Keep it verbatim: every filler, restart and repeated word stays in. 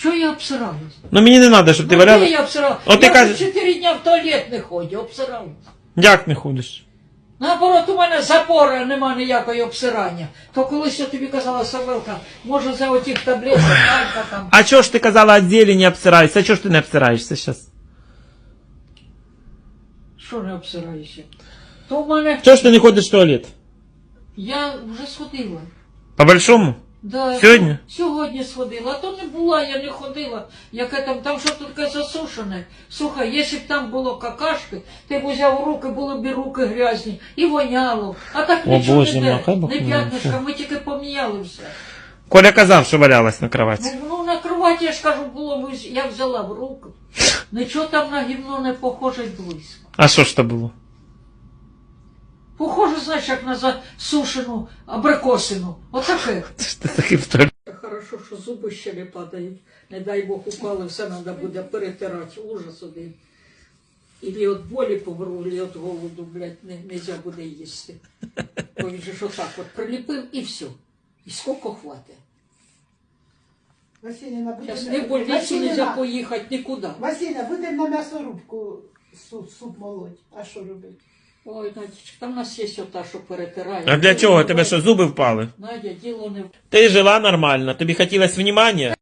Чого я обсиралась? Ну мені не треба, щоб ти Ну, валяла. де я обсиралась? От ти я кажеш- вже чотири дня в туалет не ходжу, обсиралась. Як не ходиш? Наоборот, у мене запора нема ніякої обсирання. То колись я тобі казала, Савелка, може за отих таблеток, Алька там. А чого ж ти казала, від зелені обсираєшся? А чого ж ти не обсираєшся зараз? Що не обсираюся? То в мене... Чого ж ти не ходиш в туалет? Я вже сходила. По-большому? Да, Сьогодні? Сьогодні сходила, а то не була, я не ходила. Яке там, там що таке засушене. Слухай, якщо б там було какашки, ти б взяв у руки, були б і руки грязні, і воняло. А так О, нічого Боже, не махай де, Бог не мій. п'ятнишка, ми тільки поміняли все. Коля казав, що валялась на кроваті. Ну, ну на кроваті, я ж кажу, було, ви- я взяла в руки. Нічого там на гівно не похоже й близько. А що ж то було? Похоже, знаєш, як на засушену абрикосину. Отаке. Що ти такий в туалет? Хорошо, що зуби ще не падають. Не дай Бог упали, все треба буде перетирати. Ужас один. Ілі від болі помру, ілі від голоду, блядь, не, нельзя буде їсти. Бо він же ж отак от приліпив і все. І скільки хватить. Василіна, будемо... Зараз не в больницю нельзя поїхати нікуди. Василіна, будемо на м'ясорубку суп, суп молоть. А що робити? Ой, Надічка, там у нас є ота, що перетирає. А для чого? Тебе що, зуби впали? Надя, діло не в... Ти жила нормально, тобі хотілося внимання?